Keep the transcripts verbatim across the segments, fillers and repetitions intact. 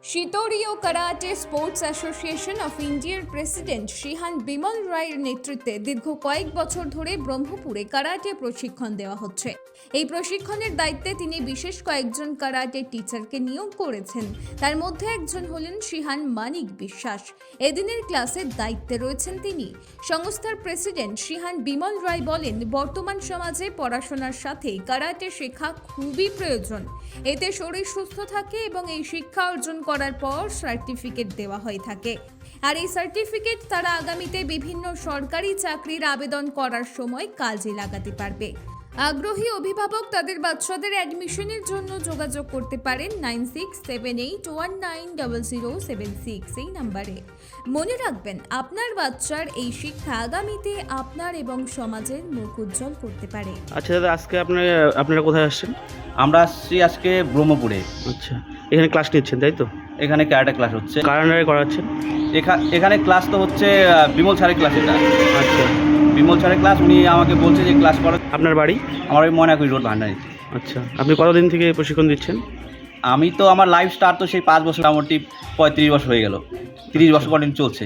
শিতোরীয় karate sports association of ইন্ডিয়ার president Shihan Bimal রায়ের নেতৃত্বে দীর্ঘ কয়েক বছর ধরে ব্রহ্মপুরে কারাটে প্রশিক্ষণ দেওয়া হচ্ছে। এই প্রশিক্ষণের দায়িত্বে তিনি বিশেষ কয়েকজন কারাটে টিচারকে নিয়োগ করেছেন। তার মধ্যে একজন হলেন শিহান মানিক বিশ্বাস। এদিনের ক্লাসের দায়িত্বে রয়েছেন তিনি। সংস্থার প্রেসিডেন্ট শিহান বিমল রায় বলেন, বর্তমান সমাজে পড়াশোনার সাথে কারাটে শেখা খুবই প্রয়োজন। এতে শরীর সুস্থ থাকে এবং এই শিক্ষা অর্জন করার পর সার্টিফিকেট দেওয়া হয়ে থাকে। আর এই সার্টিফিকেট তারা আগামীতে বিভিন্ন সরকারি চাকরির আবেদন করার সময় কাজে লাগাতে পারবে। আগ্রহী অভিভাবক তাদের বাচ্চাদের অ্যাডমিশনের জন্য যোগাযোগ করতে পারেন nine six seven eight one nine double zero seven six এই নাম্বারে। মনে রাখবেন, আপনার বাচ্চার এই শিক্ষা আগামীতে আপনার এবং সমাজের মুখ উজ্জ্বল করতে পারে। আচ্ছা দাদা, আজকে আপনারা আপনারা কোথায় আসছেন? আমরা আসছি আজকে ব্রহ্মপুরে। আচ্ছা, এখানে ক্লাস নিচ্ছেন তাই তো? এখানে ক্যারাটে ক্লাস হচ্ছে। কার আন্ডারে করাচ্ছেন? এখা- এখানে ক্লাস তো হচ্ছে আহ, বিমল স্যারের ক্লাস। এটা আচ্ছা, বিমল স্যারের ক্লাস। উনি আমাকে বলছে যে ক্লাস করো। আপনার বাড়ি? আমার ওই ময়নাকুড়ি রোড ভান্ডারি। আচ্ছা, আপনি কতদিন থেকে প্রশিক্ষণ দিচ্ছেন? আমি তো আমার লাইফ স্টার্ট তো সেই পাঁচ বছর, মোটামুটি পঁয়ত্রিশ বছর হয়ে গেল। তিরিশ বছর কন্টিনিউ চলছে।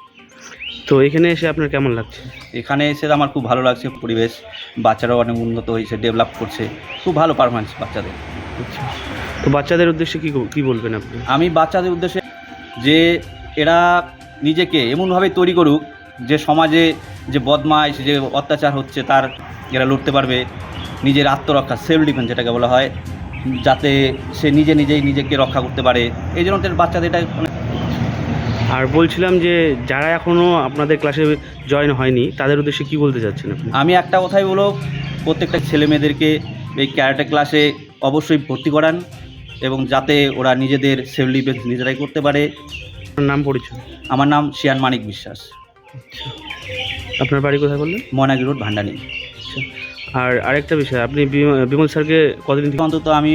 তো এখানে এসে আপনার কেমন লাগছে? এখানে এসে আমার খুব ভালো লাগছে। পরিবেশ, বাচ্চারাও অনেক উন্নত হয়েছে, ডেভেলপ করছে। খুব ভালো পারফরমেন্স বাচ্চাদের। আচ্ছা, তো বাচ্চাদের উদ্দেশ্যে কী কী বলবেন আপনি? আমি বাচ্চাদের উদ্দেশ্যে যে এরা নিজেকে এমনভাবে তৈরি করুক যে সমাজে যে বদমাইশ, যে অত্যাচার হচ্ছে তার এরা লড়তে পারবে। নিজের আত্মরক্ষা, সেলফ ডিফেন্স যেটাকে বলা হয়, যাতে সে নিজে নিজেই নিজেকে রক্ষা করতে পারে। এই জন্য তাদের বাচ্চাদের এটা অনেক। আর বলছিলাম যে যারা এখনও আপনাদের ক্লাসে জয়েন হয়নি তাদের উদ্দেশ্যে কী বলতে চাচ্ছেন আপনি? আমি একটা কথাই বলবো, প্রত্যেকটা ছেলে মেয়েদেরকে এই ক্যারাটে ক্লাসে অবশ্যই ভর্তি করান এবং যাতে ওরা নিজেদের সেলফ ডিফেন্স নিজেরাই করতে পারে। আপনার নাম পরিচয়? আমার নাম শিয়ান মানিক বিশ্বাস। আচ্ছা, আপনার বাড়ি কোথায় বললেন? ময়নাকুড়ি রোড ভান্ডারি। আচ্ছা, আর আরেকটা বিষয়, আপনি বিম- বিমল স্যারকে কতদিন থেকে? অন্তত আমি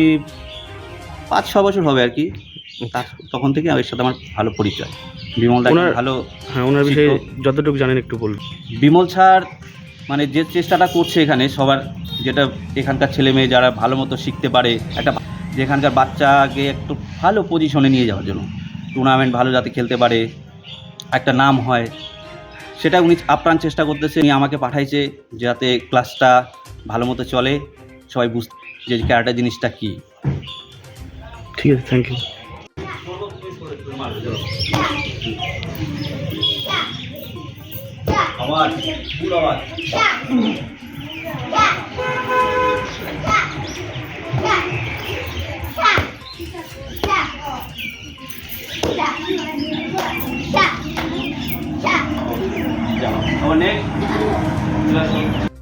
পাঁচ ছ বছর হবে আর কি। তার তখন থেকে আমার সাথে আমার ভালো পরিচয়। বিমল দা ওনার- ভালো। হ্যাঁ, ওনার বিষয়ে শিক্ষক। যতটুকু জানেন একটু বলুন। বিমল স্যার মানে যে চেষ্টাটা করছে এখানে সবার, যেটা এখানকার ছেলে মেয়ে যারা ভালো মতো শিখতে পারে, একটা যেখানকার বাচ্চাকে একটু ভালো পজিশনে নিয়ে যাওয়ার জন্য, টুর্নামেন্ট ভালো যাতে খেলতে পারে, একটা নাম হয়, সেটা উনি আপ্রাণ চেষ্টা করতেছে। উনি আমাকে পাঠাইছে যাতে ক্লাসটা ভালো মতো চলে, সবাই বুঝতে যে ক্যারাটে জিনিসটা কী। ঠিক আছে, থ্যাংক ইউ। আওয়াজ, ফুল আওয়াজ। যাও, আবার নেক্সট।